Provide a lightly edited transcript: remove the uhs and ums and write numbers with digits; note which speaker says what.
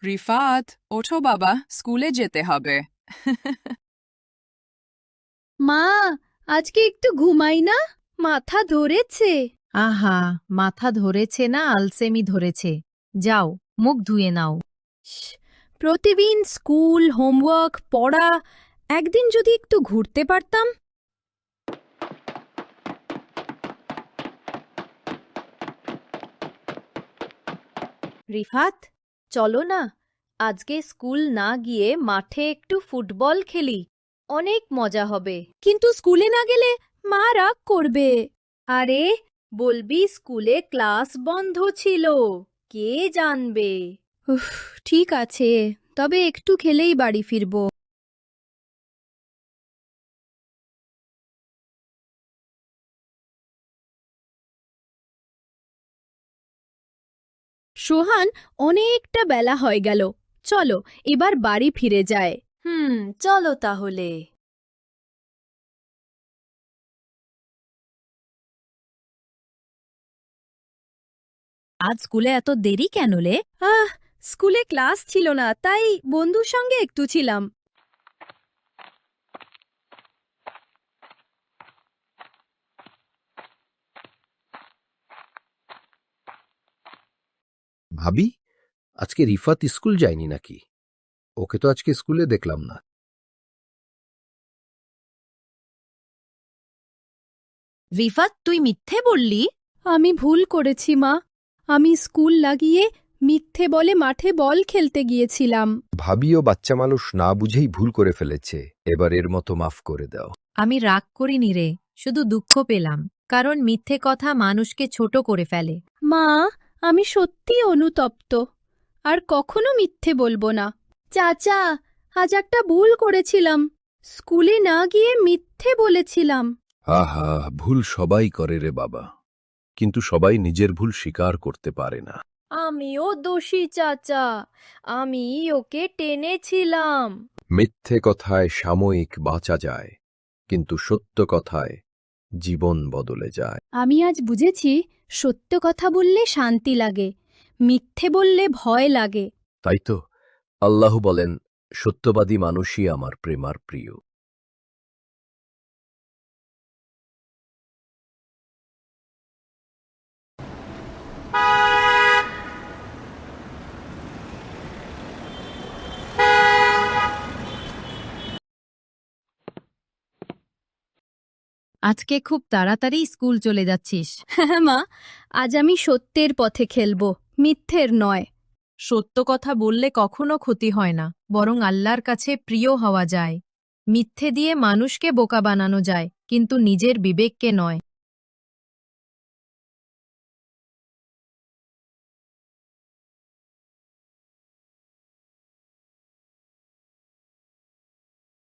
Speaker 1: রিফাত, ওঠো বাবা, স্কুলে যেতে হবে।
Speaker 2: মা, আজকে একটু ঘুমাই না, মাথা ধরেছে।
Speaker 3: আহা, মাথা ধরেছে না আলসেমি ধরেছে। যাও, মুখ ধুয়ে নাও।
Speaker 2: প্রতিদিন স্কুল, হোমওয়ার্ক, পড়া, একদিন যদি একটু ঘুরতে পারতাম। রিফাত, চলো না, আজকে স্কুল না গিয়ে মাঠে একটু ফুটবল খেলি, অনেক মজা হবে। কিন্তু স্কুলে না গেলে মা রাগ করবে। আরে, বলবি স্কুলে ক্লাস বন্ধ ছিল, কে জানবে। উফ, ঠিক আছে, তবে একটু খেলেই বাড়ি ফিরব। সোহান, অনেকটা বেলা হয়ে গেল, চলো এবার বাড়ি ফিরে যায়। চলো তাহলে।
Speaker 3: আজ স্কুলে এত দেরি কেন লে?
Speaker 2: স্কুলে ক্লাস ছিল না, তাই বন্ধুর সঙ্গে একটু ছিলাম।
Speaker 4: ভাবি, আজকে রিফাত স্কুল যায়নি নাকি? ওকে তো আজকে স্কুলে দেখলাম না।
Speaker 3: রিফাত, তুই মিথ্যে বললি?
Speaker 2: আমি ভুল করেছি মা, আমি স্কুল লাগিয়ে মিথ্যে বলে মাঠে বল খেলতে গিয়েছিলাম।
Speaker 4: ভাবিও বাচ্চা মানুষ না বুঝেই ভুল করে ফেলেছে, এবার এর মতো মাফ করে দাও।
Speaker 3: আমি রাগ করিনি রে, শুধু দুঃখ পেলাম, কারণ মিথ্যে কথা মানুষকে ছোট করে ফেলে।
Speaker 2: মা, আমি সত্যি অনুতপ্ত, আর কখনো মিথ্যে বলবো না। চাচা, আজ একটা ভুল করেছিলাম, স্কুলে না গিয়ে মিথ্যে বলেছিলাম।
Speaker 4: আহা, ভুল সবাই করে রে বাবা, কিন্তু সবাই নিজের ভুল স্বীকার করতে পারে না।
Speaker 2: আমিও দোষী চাচা, আমি ওকে টেনেছিলাম।
Speaker 4: মিথ্যে কথায় সাময়িক বাঁচা যায়, কিন্তু সত্য কথায় জীবন বদলে যায়।
Speaker 2: আমি আজ বুঝেছি, সত্য কথা বললে শান্তি লাগে, মিথ্যে বললে ভয় লাগে।
Speaker 4: তাই তো আল্লাহ বলেন, সত্যবাদী মানুষই আমার প্রেমার প্রিয়।
Speaker 3: আজকে খুব তাড়াতাড়ি স্কুল চলে যাচ্ছিস।
Speaker 2: হ্যাঁ মা, আজ আমি সত্যের পথে খেলবো, মিথ্যের নয়।
Speaker 3: সত্য কথা বললে কখনো ক্ষতি হয় না, বরং আল্লাহর কাছে প্রিয় হওয়া যায়। মিথ্যে দিয়ে মানুষকে বোকা বানানো যায়, কিন্তু নিজের বিবেককে নয়।